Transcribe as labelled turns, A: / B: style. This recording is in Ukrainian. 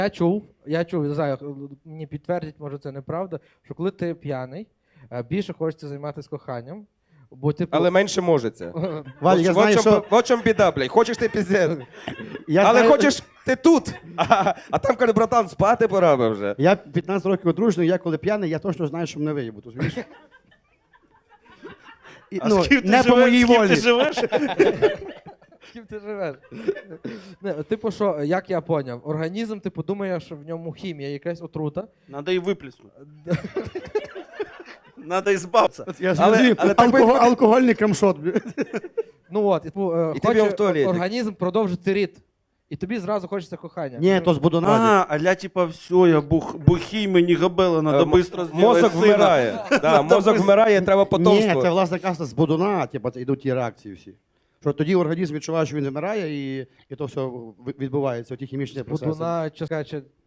A: Я чув, не знаю, мені підтвердять, може це неправда, що коли ти п'яний, більше хочеться займатися коханням, бо типу...
B: Але менше можеться.
C: Валь, я знаю, що...
B: Вот в чому біда, блядь. Хочеш ти піздець.
C: Я
B: Але
C: знаю-
B: хочеш ти тут. А там каже, братан, спати пора би вже.
C: Я 15 років одружений, я коли п'яний, я точно знаю, що мене виїбуть, розумієш?
D: А з ким ти
C: не по моїй волі.
D: Ти живеш?
A: З ким ти живеш? Не, типу, що, як я поняв, організм, типу, думає, що в ньому хімія, якась отрута.
D: Надо і виплеснути. Надо ізбавитися.
C: Я
B: Але
C: зрозумів,
B: так би-
C: алкогольний крамшот.
A: Ну от, типу,
B: І ти в ньому в туалеті.
A: організм продовжити рід. І тобі зразу хочеться кохання.
C: Ні, то з Будуна.
D: Аля, типа, все, я бухий, мені габела, надо быстро зробити
B: Мозок вмирає. Да, мозок вмирає, треба
C: Ні,
B: потомство.
C: це, власне кажучи, з Будуна, типу, йдуть ті реакції всі. Що тоді організм відчуває, що він вмирає, і то все відбувається, ті хімічні процеси.
A: Будуна, чи